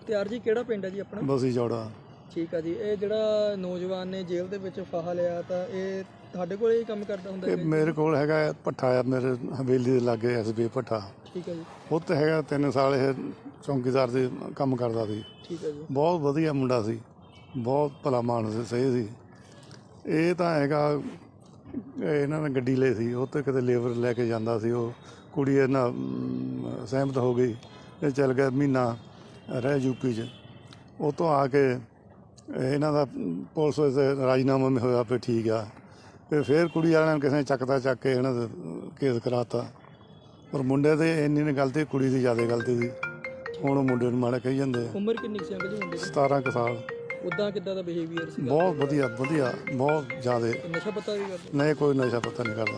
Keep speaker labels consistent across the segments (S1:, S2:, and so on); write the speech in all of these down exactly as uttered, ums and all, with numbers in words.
S1: ਮੁਖਤਿਆਰ ਜੀ ਕਿਹੜਾ ਪਿੰਡ ਹੈ ਜੀ ਆਪਣਾ?
S2: ਬਸੀ ਜੋੜਾ।
S1: ਠੀਕ ਆ ਜੀ। ਇਹ ਜਿਹੜਾ ਨੌਜਵਾਨ ਨੇ ਜੇਲ੍ਹ ਦੇ ਵਿੱਚ ਫਾਹਾ ਲਿਆ ਤਾਂ ਇਹ ਤੁਹਾਡੇ ਕੋਲ ਹੀ ਕੰਮ ਕਰਦਾ ਹੁੰਦਾ
S2: ਇਹ
S1: ਹੈ?
S2: ਮੇਰੇ ਕੋਲ ਹੈਗਾ ਭੱਠਾ ਆ, ਮੇਰੇ ਹਵੇਲੀ ਦੇ ਲਾਗੇ ਐਸ ਬੀ ਭੱਠਾ।
S1: ਠੀਕ ਹੈ ਜੀ।
S2: ਉੱਥੇ ਹੈਗਾ ਤਿੰਨ ਸਾਲ ਇਹ ਚੌਂਕੀਦਾਰ ਦੇ ਕੰਮ ਕਰਦਾ ਸੀ।
S1: ਠੀਕ ਹੈ ਜੀ।
S2: ਬਹੁਤ ਵਧੀਆ ਮੁੰਡਾ ਸੀ, ਬਹੁਤ ਭਲਾ ਮਾਨਸ ਸਹੀ ਸੀ। ਇਹ ਤਾਂ ਹੈਗਾ ਇਹਨਾਂ ਨੇ ਗੱਡੀ ਲਈ ਸੀ, ਉਹ 'ਤੇ ਕਿਤੇ ਲੇਬਰ ਲੈ ਕੇ ਜਾਂਦਾ ਸੀ। ਉਹ ਕੁੜੀ ਇਹਨਾਂ ਸਹਿਮਤ ਹੋ ਗਈ, ਇਹ ਚੱਲ ਗਿਆ ਮਹੀਨਾ ਰਹਿ ਯੂਪੀ 'ਚ। ਉਹ ਤੋਂ ਆ ਕੇ ਇਹਨਾਂ ਦਾ ਪੁਲਿਸ ਵਿੱਚ ਰਾਜੀਨਾਮਾ ਵੀ ਹੋਇਆ ਵੀ ਠੀਕ ਆ। ਅਤੇ ਫਿਰ ਕੁੜੀ ਵਾਲਿਆਂ ਨੇ ਕਿਸੇ ਨੇ ਚੱਕਦਾ ਚੱਕ ਕੇ ਇਹਨਾਂ ਦਾ ਕੇਸ ਕਰਾਤਾ। ਪਰ ਮੁੰਡੇ 'ਤੇ ਇੰਨੀ ਨਹੀਂ ਗਲਤੀ, ਕੁੜੀ ਦੀ ਜ਼ਿਆਦਾ ਗਲਤੀ ਸੀ। ਹੁਣ ਉਹ ਮੁੰਡੇ ਨੂੰ ਮਾੜਾ ਕਹੀ ਜਾਂਦੇ ਆ।
S1: ਉਮਰ ਕਿੰਨੀ ਸੀ ਅੰਕਲ ਜੀ ਮੁੰਡੇ ਦੀ?
S2: ਸਤਾਰਾਂ ਕੁ ਸਾਲ।
S1: ਉੱਦਾਂ ਕਿੱਦਾਂ ਦਾ ਬਿਹੇਵੀਅਰ ਸੀ?
S2: ਬਹੁਤ ਵਧੀਆ ਵਧੀਆ, ਬਹੁਤ ਜ਼ਿਆਦਾ।
S1: नशा पता भी करते?
S2: नहीं, कोई नशा पता नहीं करता।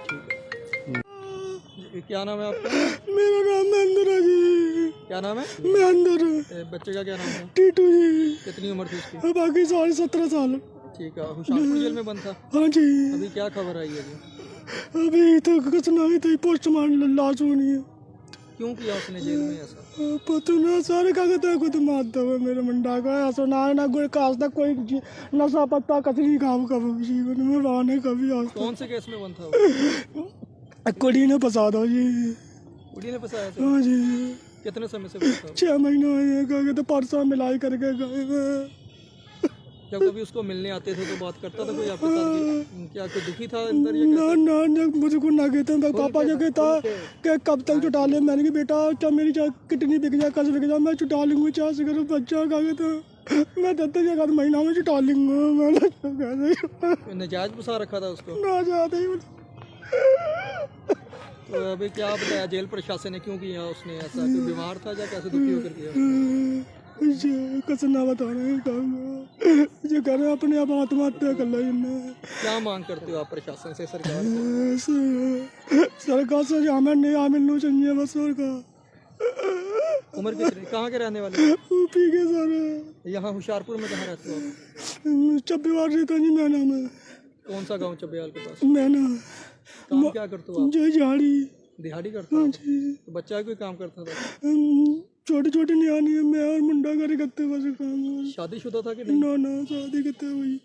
S1: क्या नाम है आपका?
S3: मेरा नाम महेंद्र है जी।
S1: क्या नाम है?
S3: महेंद्र।
S1: बच्चे का क्या नाम है?
S3: टीटू जी।
S1: कितनी उम्र थी उसकी?
S3: बाकी साल सत्रह साल।
S1: ठीक है। हुशियारपुर जेल में बंद था?
S3: हाँ जी।
S1: अभी क्या खबर आई है जी?
S3: अभी तो कुछ नहीं, तो पोस्टमार्टम लाश होनी है।
S1: क्यों किया उसने जेल में ऐसा?
S3: पता ना सारे कागज को तो मारता हुआ मेरे मुंडा का ऐसा ना ना कोई खास तक कोई नशा पत्ता कतरी काम कभी जीवन में रहने कभी आज तक।
S1: कौन से केस में बंद था वो?
S3: कुड़ी ने फंसा दो जी।
S1: कुड़ी ने फंसाया था?
S3: हाँ जी।
S1: कितने समय से बंद था?
S3: छः महीने हुए गए तो परसों मिलाई करके गए।
S1: जब कभी उसको मिलने आते थे तो बात करता था कोई आपके साथ? क्या कोई दुखी था अंदर या
S3: ना ना ना मुझे को ना कहते हैं पापा जो कहता कि कब तक छुटा ले। मैंने कहा बेटा क्या मेरी किडनी बिक जाए, कस बिक जाए, मैं छुटा लूँगी। चार से करो बच्चा का कहता मैं दस जगह महीना में छुटा लूँगा। मैंने
S1: नजायज फंसा रखा था उसको?
S3: ना जाते ही।
S1: तो अभी क्या बताया जेल प्रशासन ने, क्यों किया उसने ऐसा? कोई बीमार था या कैसे दुखी होकर किया?
S3: कुछ ना बता रहे जो कर रहे अपने आप आत्महत्या कर लो।
S1: क्या मांग करते हो आप प्रशासन से, सरकार से?
S3: सरकार से हमें नहीं मिलना चाहिए बस। और का
S1: उम्र कितनी, कहाँ के रहने वाले?
S3: यूपी के सर।
S1: यहाँ होशियारपुर में कहाँ रहते हो आप?
S3: चब्बीवार रहता जी मैना में।
S1: कौन सा गांव चब्बीवाल के पास?
S3: मैना।
S1: काम क्या करते हो आप?
S3: जो झाड़ी
S1: दिहाड़ी करते हो? तो बच्चा कोई काम करता था?
S3: छोटी छोटी नियानी है, मैं और मुंडा करे करते बस काम।
S1: शादीशुदा था कि नहीं?
S3: ना ना शादी करते हुई।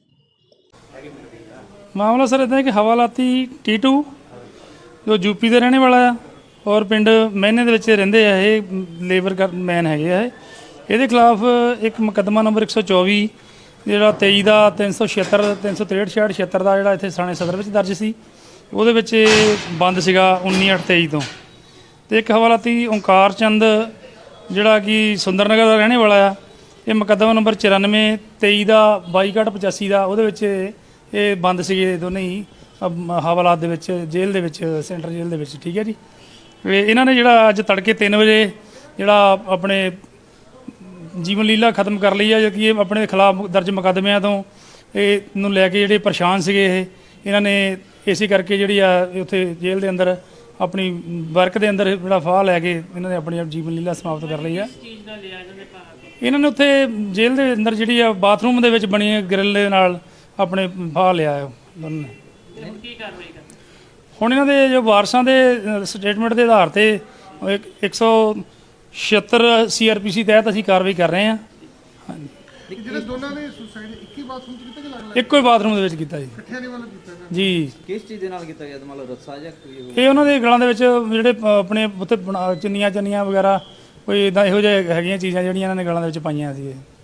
S4: ਮਾਮਲਾ ਸਰ ਇੱਦਾਂ ਹੈ ਕਿ ਹਵਾਲਾਤੀ ਟੀਟੂ ਜੋ ਯੂਪੀ ਦੇ ਰਹਿਣੇ ਵਾਲਾ ਆ ਔਰ ਪਿੰਡ ਮਹਿਨੇ ਦੇ ਵਿੱਚ ਰਹਿੰਦੇ ਆ। ਇਹ ਲੇਬਰ ਕਰ ਮੈਨ ਹੈਗੇ ਆ। ਇਹਦੇ ਖਿਲਾਫ ਇੱਕ ਮੁਕੱਦਮਾ ਨੰਬਰ ਇੱਕ ਸੌ ਚੌਵੀ ਜਿਹੜਾ ਤੇਈ ਦਾ ਤਿੰਨ ਸੌ ਛਿਹੱਤਰ ਤਿੰਨ ਸੌ ਤਰੇਹਠ ਛਿਆਹਠ ਛਿਹੱਤਰ ਦਾ ਜਿਹੜਾ ਇੱਥੇ ਥਾਣੇ ਸਦਰ ਵਿੱਚ ਦਰਜ ਸੀ। ਉਹਦੇ ਵਿੱਚ ਬੰਦ ਸੀਗਾ ਉੱਨੀ ਅੱਠ ਤੇਈ ਤੋਂ। ਅਤੇ ਇੱਕ ਹਵਾਲਾਤੀ ਓਂਕਾਰ ਚੰਦ ਜਿਹੜਾ ਕਿ ਸੁੰਦਰ ਨਗਰ ਦਾ ਰਹਿਣੇ ਵਾਲਾ ਆ। ਇਹ ਮੁਕੱਦਮਾ ਨੰਬਰ ਚੁਰਾਨਵੇਂ ਤੇਈ ਦਾ ਬਾਈ ਘੱਟ ਪਚਾਸੀ ਦਾ ਉਹਦੇ ਵਿੱਚ ਇਹ ਬੰਦ ਸੀਗੇ ਦੋਨੇ ਹੀ ਹਵਾਲਾਤ ਦੇ ਵਿੱਚ, ਜੇਲ੍ਹ ਦੇ ਵਿੱਚ, ਸੈਂਟਰ ਜੇਲ੍ਹ ਦੇ ਵਿੱਚ। ਠੀਕ ਹੈ ਜੀ। ਇਹਨਾਂ ਨੇ ਜਿਹੜਾ ਅੱਜ ਤੜਕੇ ਤਿੰਨ ਵਜੇ ਜਿਹੜਾ ਆਪਣੇ ਜੀਵਨ ਲੀਲਾ ਖਤਮ ਕਰ ਲਈ ਆ, ਜੋ ਕਿ ਇਹ ਆਪਣੇ ਖਿਲਾਫ ਦਰਜ ਮੁਕੱਦਮਿਆਂ ਤੋਂ ਇਹ ਨੂੰ ਲੈ ਕੇ ਜਿਹੜੇ ਪਰੇਸ਼ਾਨ ਸੀਗੇ ਇਹ ਇਹਨਾਂ ਨੇ ਇਸੇ ਕਰਕੇ ਜਿਹੜੀ ਆ ਉੱਥੇ ਜੇਲ੍ਹ ਦੇ ਅੰਦਰ ਆਪਣੀ ਵਰਕ ਦੇ ਅੰਦਰ ਜਿਹੜਾ ਫਾਹ ਲੈ ਕੇ ਇਹਨਾਂ ਨੇ ਆਪਣੀ ਜੀਵਨ ਲੀਲਾ ਸਮਾਪਤ ਕਰ ਲਈ ਆ। ਇਹਨਾਂ ਨੇ ਉੱਥੇ ਜੇਲ੍ਹ ਦੇ ਅੰਦਰ ਜਿਹੜੀ ਆ ਬਾਥਰੂਮ ਦੇ ਵਿੱਚ ਬਣੀ ਗ੍ਰਿਲ ਦੇ ਨਾਲ ਆਪਣੇ ਫਾਹ ਲਿਆ ਦੋਨਾਂ ਨੇ। ਹੁਣ ਇਹਨਾਂ ਦੇ ਜੋ ਵਾਰਸਾਂ ਦੇ ਸਟੇਟਮੈਂਟ ਦੇ ਆਧਾਰ ਤੇ ਇੱਕ ਸੌ ਛਿਹੱਤਰ ਸੀ ਆਰ ਪੀ ਸੀ ਤਹਿਤ ਅਸੀਂ ਕਾਰਵਾਈ ਕਰ ਰਹੇ ਹਾਂ। ਹਾਂਜੀ।
S5: ਜਿਹੜੇ ਦੋਨਾਂ ਨੇ ਸੁਸਾਈਡ ਇੱਕ ਹੀ ਬਾਥਰੂਮ ਚ ਕੀਤਾ ਕਿ ਅਲੱਗ-ਅਲੱਗ?
S4: ਇੱਕੋ ਹੀ ਬਾਥਰੂਮ ਦੇ ਵਿੱਚ ਕੀਤਾ ਜੀ।
S5: ਇਕੱਠਿਆਂ ਨੇ ਵੱਲੋਂ ਕੀਤਾ
S4: ਜੀ।
S1: ਕਿਸ ਚੀਜ਼ ਦੇ ਨਾਲ ਕੀਤਾ ਗਿਆ? ਮਤਲਬ ਰੱਸਾ ਜਾਂ ਕੋਈ?
S4: ਇਹ ਉਹਨਾਂ ਦੇ ਗਲਾਂ ਦੇ ਵਿੱਚ ਜਿਹੜੇ ਆਪਣੇ ਉੱਥੇ ਚੁੰਨੀਆਂ ਚੰਨੀਆਂ ਵਗੈਰਾ ਕੋਈ ਇੱਦਾਂ ਇਹੋ ਜਿਹੇ ਹੈਗੀਆਂ ਚੀਜ਼ਾਂ ਜਿਹੜੀਆਂ ਇਹਨਾਂ ਨੇ ਗਲਾਂ ਦੇ ਵਿੱਚ ਪਾਈਆਂ ਸੀ।